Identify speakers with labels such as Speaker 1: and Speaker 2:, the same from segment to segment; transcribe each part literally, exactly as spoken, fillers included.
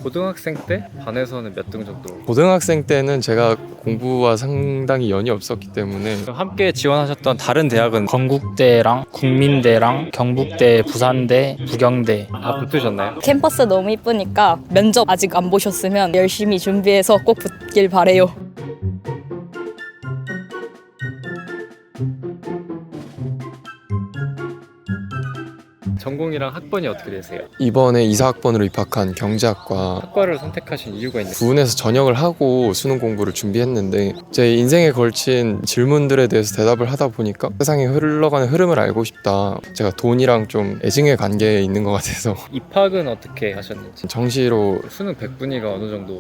Speaker 1: 고등학생 때 반에서는 몇 등 정도?
Speaker 2: 고등학생 때는 제가 공부와 상당히 연이 없었기 때문에
Speaker 1: 함께 지원하셨던 다른 대학은
Speaker 3: 건국대랑 국민대랑 경북대, 부산대, 부경대.
Speaker 1: 다 붙으셨나요?
Speaker 4: 캠퍼스 너무 이쁘니까 면접 아직 안 보셨으면 열심히 준비해서 꼭 붙길 바래요.
Speaker 1: 전공이랑 학번이 어떻게 되세요?
Speaker 2: 이번에 이사학번으로 입학한 경제학과
Speaker 1: 학과를 선택하신 이유가 있나요?
Speaker 2: 부은에서 전역을 하고 수능 공부를 준비했는데 제 인생에 걸친 질문들에 대해서 대답을 하다 보니까 세상에 흘러가는 흐름을 알고 싶다. 제가 돈이랑 좀 애증의 관계에 있는 것 같아서
Speaker 1: 입학은 어떻게 하셨는지.
Speaker 2: 정시로
Speaker 1: 수능 백 분위가 어느 정도?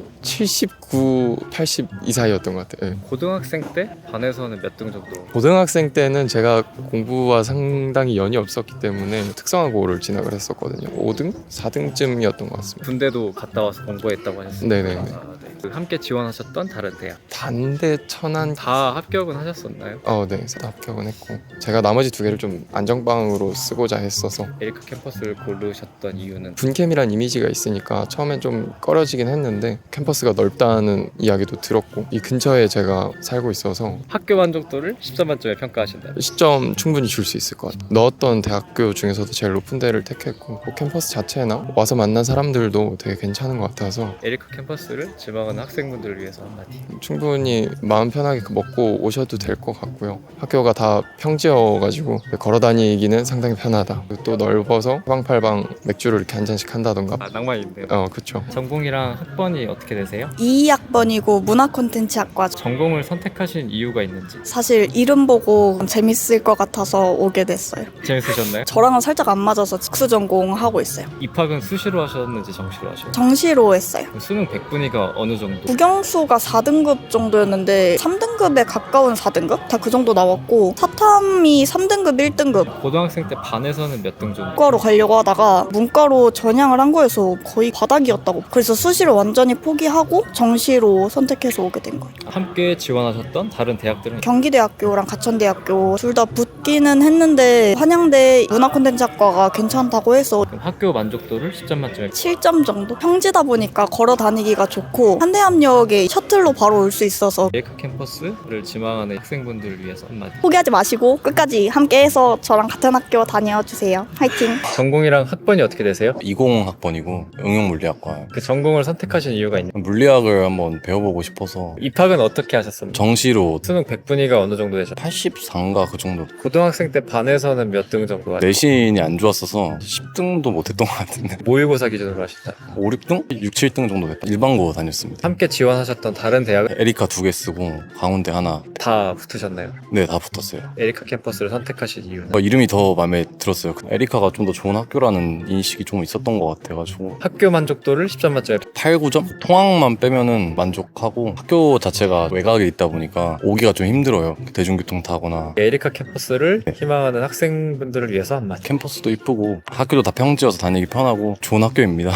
Speaker 2: 칠십구, 팔십 이 사이였던 것 같아요. 네.
Speaker 1: 고등학생 때 반에서는 몇 등 정도?
Speaker 2: 고등학생 때는 제가 공부와 상당히 연이 없었기 때문에 특성화고를 진학을 했었거든요. 오 등? 사 등쯤이었던 것 같습니다.
Speaker 1: 군대도 갔다 와서 공부했다고 하셨어요.
Speaker 2: 네네네.
Speaker 1: 아, 네. 그 함께 지원하셨던 다른 대학
Speaker 2: 단대, 천안
Speaker 1: 다 합격은 하셨었나요?
Speaker 2: 어, 네. 다 합격은 했고 제가 나머지 두 개를 좀 안정빵으로 쓰고자 했어서
Speaker 1: 에리카 캠퍼스를 고르셨던 이유는?
Speaker 2: 분캠이란 이미지가 있으니까 처음엔 좀 꺼려지긴 했는데 캠퍼스가 넓다는 이야기도 들었고 이 근처에 제가 살고 있어서
Speaker 1: 학교 만족도를 십 점 만점에 평가하신다.
Speaker 2: 십 점 충분히 줄 수 있을 것 같아요. 넣었던 대학교 중에서도 제일 높은 데를 택했고 뭐 캠퍼스 자체나 와서 만난 사람들도 되게 괜찮은 것 같아서
Speaker 1: 에리카 캠퍼스를 지망하는 학생분들을 위해서 한마디.
Speaker 2: 충분히 마음 편하게 먹고 오셔도 될 것 같고요. 학교가 다 평지여가지고 걸어 다니기는 상당히 편하다. 그리고 또 넓어서 사방팔방 맥주를 이렇게 한 잔씩 한다던가.
Speaker 1: 아, 낭만인데요.
Speaker 2: 어, 그쵸.
Speaker 1: 전공이랑 학번이 어떻게 되세요?
Speaker 5: 이 학번이고 문화 콘텐츠 학과.
Speaker 1: 전공을 선택하신 이유가 있는지.
Speaker 5: 사실 이름 보고 재밌을 것 같아서 오게 됐어요.
Speaker 1: 재밌으셨나요?
Speaker 5: 저랑은 살짝 안 맞아서 특수 전공 하고 있어요.
Speaker 1: 입학은 수시로 하셨는지 정시로 하셨나요?
Speaker 5: 정시로 했어요.
Speaker 1: 수능 백 분위가 어느 정도?
Speaker 5: 국영수가 사 등급 정도였는데 삼 등급에 가까운 사 등급? 다 그 정도 나왔고 사탐이 삼 등급, 일 등급
Speaker 1: 고등학생 때 반에서는 몇 등 정도?
Speaker 5: 문과로 가려고 하다가 문과로 전향을 한 거여서 거의 바닥이었다고. 그래서 수시를 완전히 포기하고 정시로 선택해서 오게 된 거예요.
Speaker 1: 함께 지원하셨던 다른 대학들은?
Speaker 5: 경기대학교랑 가천대학교 둘 다 붙기는 했는데 한양대 문화콘텐츠학과가 괜찮다고 해서
Speaker 1: 그럼 학교 만족도를 십 점 만점에
Speaker 5: 칠 점 정도? 평지다 보니까 걸어 다니기가 좋고 한대암역에 셔틀로 바로 올 수 있어서
Speaker 1: 에리카 캠퍼스를 지망하는 학생분들을 위해서 한마디.
Speaker 5: 포기하지 마시고 끝까지 함께해서 저랑 같은 학교 다녀주세요. 화이팅!
Speaker 1: 전공이랑 학번이 어떻게 되세요?
Speaker 6: 이십 학번이고 응용물리학과.
Speaker 1: 그 전공을 선택하신 이유가 있나요?
Speaker 6: 물리학을 한번 배워보고 싶어서
Speaker 1: 입학은 어떻게 하셨습니까?
Speaker 6: 정시로
Speaker 1: 수능 백 분위가 어느 정도 되셨나요?
Speaker 6: 팔십사인가 그 정도.
Speaker 1: 고등학생 때 반에서는 몇 등 정도 하셨나요?
Speaker 6: 내신이 안 좋았어서 십 등도 못했던 것 같은데
Speaker 1: 모의고사 기준으로 하신다.
Speaker 6: 오, 육 등? 육, 칠 등 정도 됐다. 일반고 다녔습니다.
Speaker 1: 함께 지원하셨던 다른 대학은
Speaker 6: 에리카 두 개 쓰고 강원대 하나.
Speaker 1: 다 붙으셨나요?
Speaker 6: 네, 다 붙었어요.
Speaker 1: 에리카 캠퍼스를 선택하신 이유는?
Speaker 6: 어, 이름이 더 마음에 들었어요. 에리카가 좀 더 좋은 학교라는 인식이 좀 있었던 것 같아가지고
Speaker 1: 학교 만족도를 십 점 만점에
Speaker 6: 팔, 구 점? 통학만 빼면은 만족하고 학교 자체가 외곽에 있다 보니까 오기가 좀 힘들어요. 대중교통 타거나.
Speaker 1: 에리카 캠퍼스를 희망하는 학생분들을 위해서 한마디.
Speaker 6: 캠퍼스도 이쁘고 학교도 다 평지여서 다니기 편하고 좋은 학교입니다.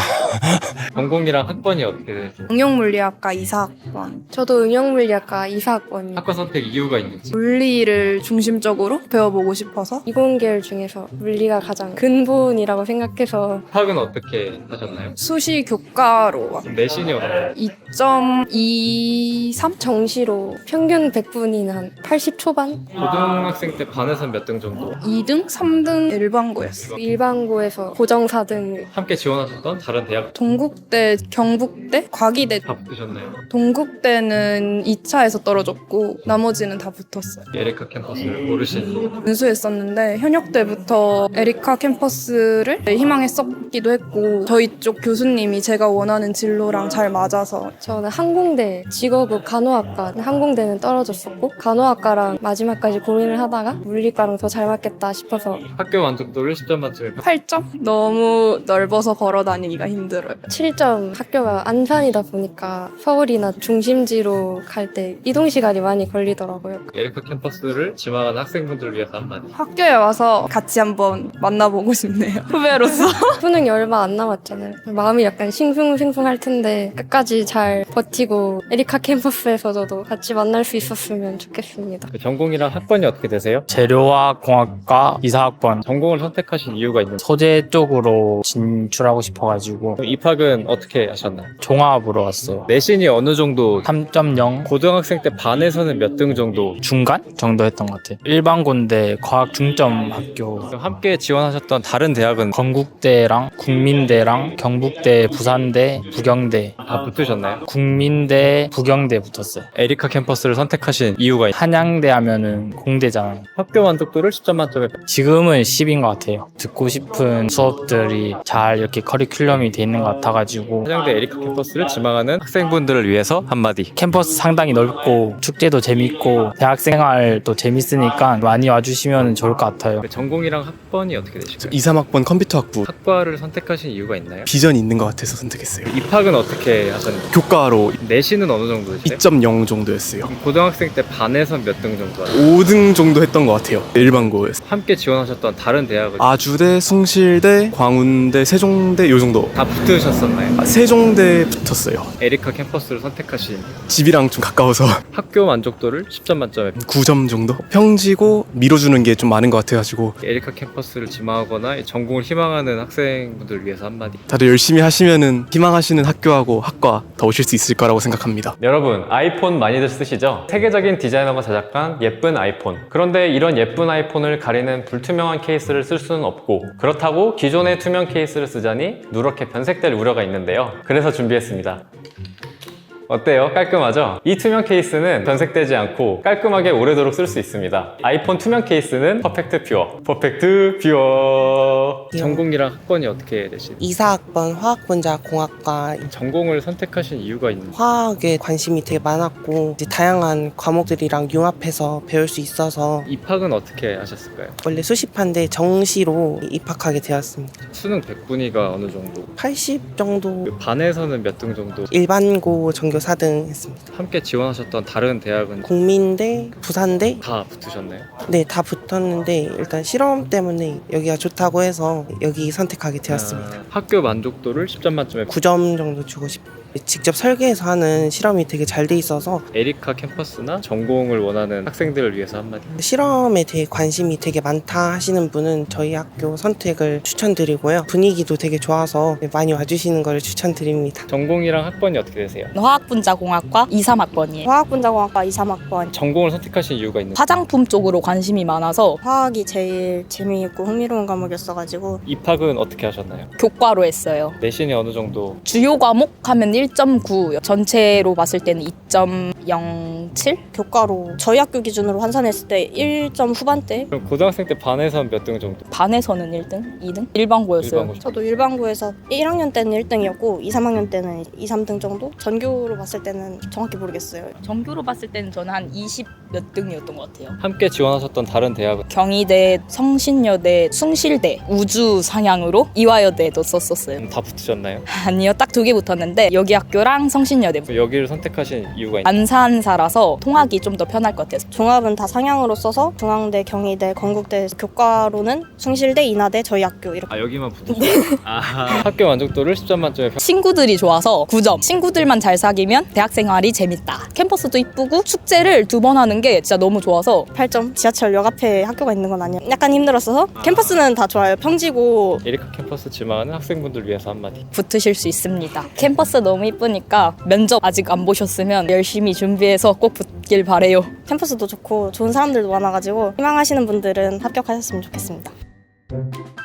Speaker 1: 전공이랑 학번이 어떻게 되세요?
Speaker 7: 응용물리학과 이사 학번. 저도 응용물리학과 이사 학번이요.
Speaker 1: 학과 선택 이유가 있는지.
Speaker 7: 물리를 중심적으로 배워보고 싶어서
Speaker 8: 이공계열 중에서 물리가 가장 근본이라고 생각해서
Speaker 1: 학은 어떻게 하셨나요?
Speaker 7: 수시 교과로 왔어요.
Speaker 1: 내신이 어느
Speaker 7: 이 점 이삼?
Speaker 8: 정시로 평균 백 분이나 한 팔십 초반?
Speaker 1: 고등학생 때 반에서는 몇 등 정도?
Speaker 7: 이 등? 삼 등 일반고였어.
Speaker 8: 일반고에서 고정 사 등.
Speaker 1: 함께 지원하셨던 다른 대학
Speaker 7: 동국대, 경북대, 과기대.
Speaker 1: 다 붙으셨나요?
Speaker 7: 동국대는 이 차에서 떨어졌고 나머지는 다 붙었어요.
Speaker 1: 에리카 캠퍼스를 고르신 이유.
Speaker 7: 은수했었는데 현역 때부터 에리카 캠퍼스를 희망했었기도 했고 저희 쪽 교수님이 제가 원하는 진로랑 잘 맞아서.
Speaker 8: 저는 항공대 직업은 간호학과, 항공대는 떨어졌었고 간호학과랑 마지막까지 고민을 하다가 물리과랑 더 잘 맞겠다 싶어서
Speaker 1: 학교 만족도를 십 점 만점에
Speaker 7: 팔 점? 너무 넓어서 걸어 다니기가 힘들어요.
Speaker 8: 칠 점. 학교가 안산이다 보니까 서울이나 중심지로 갈 때 이동 시간이 많이 걸리더라고요.
Speaker 1: 에리카 캠퍼스를 지망하는 학생분들을 위해서 한마디.
Speaker 7: 학교에 와서 같이 한번 만나보고 싶네요. 후배로서.
Speaker 8: 수능이 얼마 안 남았잖아요. 마음이 약간 싱숭생숭할 텐데 끝까지 잘 버티고 에리카 캠퍼스에서도 같이 만날 수 있었으면 좋겠습니다.
Speaker 1: 그 전공이랑 학번이 어떻게 되세요?
Speaker 3: 재료화공학과 이사 학번.
Speaker 1: 전공을 선택하신 이유가 이유가 있는
Speaker 3: 소재 쪽으로 진출하고 싶어가지고
Speaker 1: 입학은 어떻게 하셨나요?
Speaker 3: 종합으로 왔어요.
Speaker 1: 내신이 어느 정도
Speaker 3: 삼 점 영
Speaker 1: 고등학생 때 반에서는 몇 등 정도
Speaker 3: 중간 정도 했던 것 같아요. 일반고인데 과학 중점 학교.
Speaker 1: 함께 지원하셨던 다른 대학은
Speaker 3: 건국대랑 국민대랑 경북대, 부산대, 부경대.
Speaker 1: 다 붙으셨나요?
Speaker 3: 국민대, 부경대 붙었어요.
Speaker 1: 에리카 캠퍼스를 선택하신 이유가 있나요?
Speaker 3: 한양대 하면은 공대잖아요.
Speaker 1: 학교 만족도를 십 점 만점에
Speaker 3: 지금은 십인 것 같아요. 듣고 싶은 수업들이 잘 이렇게 커리큘럼이 돼 있는 것 같아가지고
Speaker 1: 한양대 에리카 캠퍼스를 지망하는 학생분들을 위해서 한마디.
Speaker 3: 캠퍼스 상당히 넓고 축제도 재밌고 대학생활도 재밌으니까 많이 와주시면 좋을 것 같아요.
Speaker 1: 전공이랑 학번이 어떻게 되실까요?
Speaker 9: 이, 삼 학번 컴퓨터학부
Speaker 1: 학과를 선택하신 이유가 있나요?
Speaker 9: 비전이 있는 것 같아서 선택했어요.
Speaker 1: 입학은 어떻게 하셨나요?
Speaker 9: 교과로
Speaker 1: 내신은 어느 정도였어요?
Speaker 9: 이 점 영 정도였어요.
Speaker 1: 고등학생 때 반에서 몇 등 정도 하셨나요?
Speaker 9: 오 등 정도 했던 것 같아요. 일반고에서.
Speaker 1: 함께 지원하셨던 다른 대학은
Speaker 9: 아주대, 숭실대, 광운대, 세종대 요 정도.
Speaker 1: 다 붙으셨었나요?
Speaker 9: 아, 세종대 붙었어요.
Speaker 1: 에리카 캠퍼스를 선택하신
Speaker 9: 집이랑 좀 가까워서
Speaker 1: 학교 만족도를 십 점 만점에
Speaker 9: 구 점 정도? 평지고 밀어주는 게 좀 많은 것 같아가지고
Speaker 1: 에리카 캠퍼스를 지망하거나 전공을 희망하는 학생분들을 위해서 한마디.
Speaker 9: 다들 열심히 하시면은 희망하시는 학교하고 학과 더 오실 수 있을 거라고 생각합니다.
Speaker 10: 여러분, 아이폰 많이들 쓰시죠? 세계적인 디자이너가 제작한 예쁜 아이폰. 그런데 이런 예쁜 아이폰을 가리는 불투명한 케이스를 쓸 수는 없고, 그렇다고 기존의 투명 케이스를 쓰자니 누렇게 변색될 우려가 있는데요. 그래서 준비했습니다. 어때요? 깔끔하죠? 이 투명 케이스는 변색되지 않고 깔끔하게 오래도록 쓸 수 있습니다. 아이폰 투명 케이스는 퍼펙트 퓨어. 퍼펙트 퓨어.
Speaker 1: 전공이랑 학번이 어떻게 되시나요?
Speaker 11: 이사 학번 화학분자 공학과.
Speaker 1: 전공을 선택하신 이유가 있나요?
Speaker 11: 화학에 관심이 되게 많았고 이제 다양한 과목들이랑 융합해서 배울 수 있어서.
Speaker 1: 입학은 어떻게 하셨을까요?
Speaker 11: 원래 수시판데 정시로 입학하게 되었습니다.
Speaker 1: 수능 백분위가 어느 정도?
Speaker 11: 팔십 정도.
Speaker 1: 그 반에서는 몇 등 정도?
Speaker 11: 일반고 전교 사 등 했습니다.
Speaker 1: 함께 지원하셨던 다른 대학은
Speaker 11: 국민대, 부산대
Speaker 1: 다 붙으셨나요?
Speaker 11: 네, 다 붙었는데 일단 실험 때문에 여기가 좋다고 해서 여기 선택하게 되었습니다.
Speaker 1: 아, 학교 만족도를 십 점 만점에
Speaker 11: 구 점 정도 주고 싶어요. 직접 설계해서 하는 실험이 되게 잘 돼 있어서.
Speaker 1: 에리카 캠퍼스나 전공을 원하는 학생들을 위해서 한마디.
Speaker 11: 실험에 대해 관심이 되게 많다 하시는 분은 저희 학교 선택을 추천드리고요. 분위기도 되게 좋아서 많이 와주시는 걸 추천드립니다.
Speaker 1: 전공이랑 학번이 어떻게 되세요?
Speaker 4: 화학분자공학과 이, 삼 학번이에요.
Speaker 5: 화학분자공학과 이, 삼 학번.
Speaker 1: 전공을 선택하신 이유가 있나요?
Speaker 4: 화장품 쪽으로 관심이 많아서
Speaker 5: 화학이 제일 재미있고 흥미로운 과목이었어가지고.
Speaker 1: 입학은 어떻게 하셨나요?
Speaker 4: 교과로 했어요.
Speaker 1: 내신이 어느 정도?
Speaker 4: 주요 과목 하면 일 점 구, 전체로 봤을 때는 이 점 영칠?
Speaker 5: 교과로 저희 학교 기준으로 환산했을 때 일 점 후반대.
Speaker 1: 그럼 고등학생 때 반에서는 몇 등 정도?
Speaker 4: 반에서는 일 등, 이 등? 일반고였어요.
Speaker 1: 일반고.
Speaker 5: 저도 일반고에서 일 학년 때는 일 등이었고 이, 삼 학년 때는 이, 삼 등 정도? 전교로 봤을 때는 정확히 모르겠어요.
Speaker 4: 전교로 봤을 때는 저는 한 이십 몇 등이었던 것 같아요.
Speaker 1: 함께 지원하셨던 다른 대학은?
Speaker 4: 경희대, 성신여대, 숭실대, 우주 상향으로 이화여대도 썼었어요.
Speaker 1: 음, 다 붙으셨나요?
Speaker 4: 아니요, 딱 두 개 붙었는데 여기 학교랑 성신여대.
Speaker 1: 여기를 선택하신 이유가 있나요?
Speaker 4: 안산사라서 통학이 좀 더 편할 것 같아서.
Speaker 5: 종합은 다 상향으로 써서 중앙대, 경희대, 건국대, 교과로는 숭실대, 인하대, 저희 학교 이렇게.
Speaker 1: 아 여기만 붙으셨어요? 아, 학교 만족도를 십 점 만점에 평...
Speaker 4: 친구들이 좋아서 구 점. 친구들만 잘 사귀면 대학생활이 재밌다. 캠퍼스도 이쁘고 축제를 두 번 하는 게 진짜 너무 좋아서
Speaker 5: 팔 점. 지하철역 앞에 학교가 있는 건 아니에요. 약간 힘들었어서. 캠퍼스는 다 좋아요. 평지고.
Speaker 1: 에리카 캠퍼스 지망하는 학생분들 위해서 한마디.
Speaker 4: 붙으실 수 있습니다. 캠퍼스 너무 이쁘니까 면접 아직 안 보셨으면 열심히 준비해서 꼭 붙길 바래요.
Speaker 5: 캠퍼스도 좋고 좋은 사람들도 많아가지고 희망하시는 분들은 합격하셨으면 좋겠습니다.